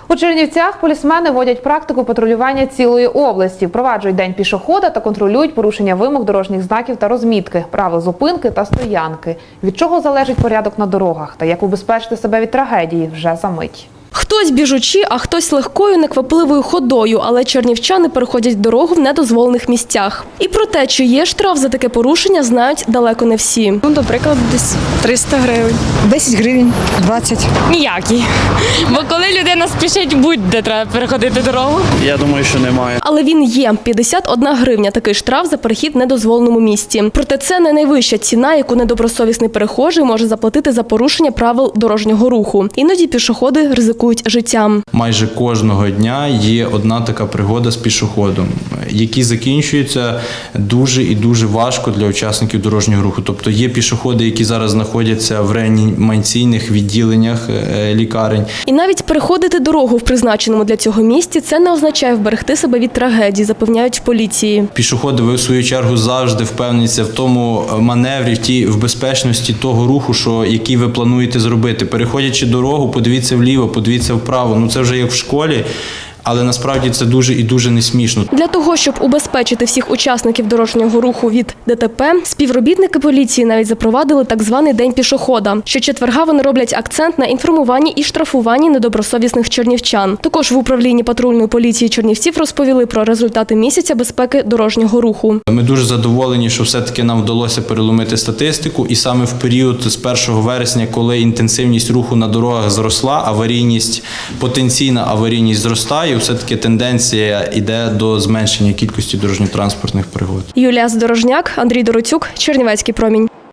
У Чернівцях полісмени вводять практику патрулювання цілої області, впроваджують день пішохода та контролюють порушення вимог дорожніх знаків та розмітки, правил зупинки та стоянки. Від чого залежить порядок на дорогах та як убезпечити себе від трагедії вже за мить. Хтось біжучи, а хтось легкою, неквапливою ходою, але чернівчани переходять дорогу в недозволених місцях. І про те, чи є штраф за таке порушення, знають далеко не всі. До прикладу, десь 300 гривень. 10 гривень, 20. Ніякий. Бо коли людина спішить, будь-де треба переходити дорогу. Я думаю, що немає. Але він є. 51 гривня – такий штраф за перехід в недозволеному місці. Проте це не найвища ціна, яку недобросовісний перехожий може заплатити за порушення правил дорожнього руху. Іноді пішоходи ризикують життям. Майже кожного дня є одна така пригода з пішоходом, які закінчуються дуже і дуже важко для учасників дорожнього руху. Тобто є пішоходи, які зараз знаходяться в реанімаційних відділеннях лікарень. І навіть переходити дорогу в призначеному для цього місці – це не означає вберегти себе від трагедії, запевняють в поліції. Пішоходи, ви в свою чергу завжди впевніться в тому маневрі, в безпечності того руху, який ви плануєте зробити. Переходячи дорогу, подивіться вліво, подивіться вправо. Це вже як в школі. Але насправді це дуже і дуже не смішно. Для того, щоб убезпечити всіх учасників дорожнього руху від ДТП, співробітники поліції навіть запровадили так званий День пішохода. Щочетверга вони роблять акцент на інформуванні і штрафуванні недобросовісних чернівчан. Також в управлінні патрульної поліції Чернівців розповіли про результати місяця безпеки дорожнього руху. Ми дуже задоволені, що все-таки нам вдалося переломити статистику. І саме в період з 1 вересня, коли інтенсивність руху на дорогах зросла, потенційна аварійність зростає, все-таки тенденція йде до зменшення кількості дорожньо-транспортних пригод. Юлія Здорожняк, Андрій Дороцюк, Чернівецький промінь.